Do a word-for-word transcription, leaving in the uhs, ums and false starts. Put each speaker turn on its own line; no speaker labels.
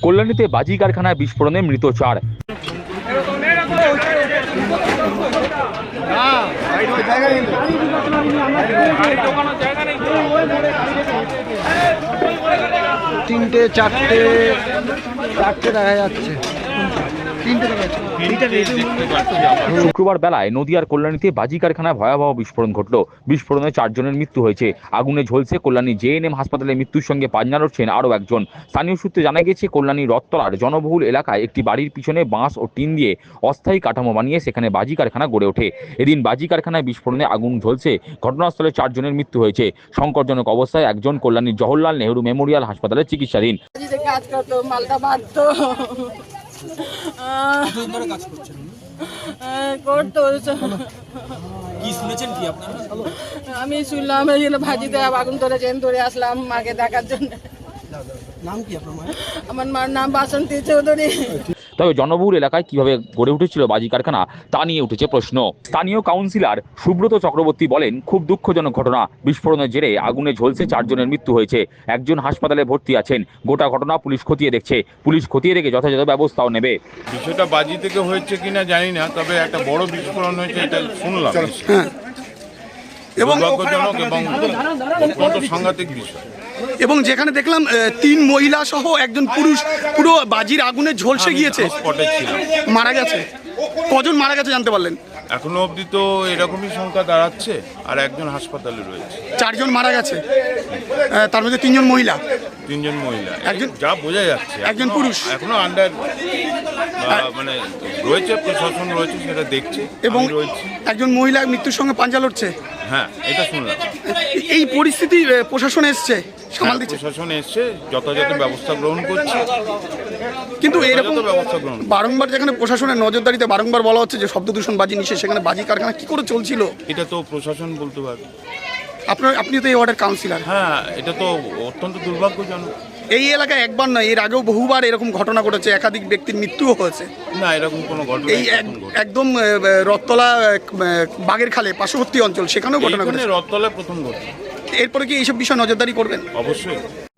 কল্যাণীতে বাজি কারখানায় বিস্ফোরণে মৃত চার।
তিনটে চারটে চারটে দেখা যাচ্ছে।
শুক্রবার বেলায় নদিয়ার কল্যাণীতে বাজি কারখানায় ভয়াবহ বিস্ফোরণ ঘটল। বিস্ফোরণে চারজনের মৃত্যু হয়েছে। আগুনে ঝলসে কল্যাণী জেএনএম হাসপাতালে মৃত্যুর সঙ্গে পাঞ্জা লড়ছেন আরও একজন। স্থানীয় সূত্রে জানা গেছে, কল্যাণী রথতলার জনবহুল এলাকায় একটি বাড়ির পিছনে বাঁশ ও টিন দিয়ে অস্থায়ী কাঠামো বানিয়ে সেখানে বাজি কারখানা গড়ে ওঠে। এদিন বাজি কারখানায় বিস্ফোরণে আগুন ঝলসে ঘটনাস্থলে চারজনের মৃত্যু হয়েছে। সংকটজনক অবস্থায় একজন কল্যাণীর জওহরলাল নেহরু মেমোরিয়াল হাসপাতালে চিকিৎসাধীন।
আমি শুনলাম ভাজিতে আগুন ধরেছেন, ধরে আসলাম মাকে দেখার জন্য।
নাম কি আপনার মায়ের?
আমার মার নাম বাসন্তী চৌধুরী।
তবে জনবহুল এলাকায় কিভাবে গড়ে উঠেছিল বাজি কারখানা তা নিয়ে উঠেছে প্রশ্ন। স্থানীয় কাউন্সিলর সুব্রত চক্রবর্তী বলেন, খুব দুঃখজনক ঘটনা। বিস্ফোরণের জেরে আগুনে ঝলসে চারজনের মৃত্যু হয়েছে। একজন হাসপাতালে ভর্তি আছেন। গোটা ঘটনা পুলিশ খতিয়ে দেখছে। পুলিশ খতিয়ে দেখে যথাযথ ব্যবস্থাও নেবে।
বিষয়টা বাজি থেকে হয়েছে কিনা জানি না, তবে একটা বড় বিস্ফোরণ হয়েছে এটা শুনলাম। এবং দুর্ভাগ্যজনক এবং অত্যন্ত সাংঘাতিক বিষয়।
এবং যেখানে দেখলাম তিন মহিলা সহ একজন পুরুষ পুরো বাজির আগুনে ঝলসে গিয়েছে,
স্পটে ছিল,
মারা গেছে। কজন মারা গেছে জানতে পারলেন?
এখনো অবধি তো এরকমই সংখ্যা দাঁড়াচ্ছে, আর একজন হাসপাতালে রয়েছে।
চারজন মারা গেছে, তার মধ্যে তিনজন মহিলা,
তিনজন মহিলা,
একজন
যা বোঝা যাচ্ছে।
একজন পুরুষ।
এখনো আন্ডার মানে রয়েছে, প্রশাসন রয়েছে, সেটা দেখছে
এবং
রয়েছে।
একজন মহিলা মৃত্যুর সঙ্গে পাঞ্জা লড়ছে।
হ্যাঁ, এটা শুনলাম।
এই পরিস্থিতি প্রশাসন এসছে, সামাল দিচ্ছে।
প্রশাসন এসছে, যথাযথ ব্যবস্থা গ্রহণ করছে।
কিন্তু এরকম
ব্যবস্থা গ্রহণ
বারংবার যেখানে প্রশাসনের নজরদারিতে বারংবার বলা হচ্ছে যে শব্দ দূষণ বাজি নিষেধ, সেখানে বাজি কারখানা কি করে চলছিল?
এটা তো প্রশাসন বলতে পারবে।
আপনার আপনি তো এই ওয়ার্ডের কাউন্সিলর।
হ্যাঁ, এটা তো অত্যন্ত দুর্ভাগ্যজনক।
এই এলাকায় একবার নয়, এর আগেও বহুবার এরকম ঘটনা ঘটেছে, একাধিক ব্যক্তির মৃত্যুও হয়েছে।
না, এরকম কোনো ঘটনা
এই একদম রথতলা বাগের খালে পার্শ্ববর্তী অঞ্চল, সেখানেও ঘটনা ঘটেছে।
রথতলা প্রথম ঘটনা।
এরপরে কি এইসব বিষয় নজরদারি করবেন?
অবশ্যই।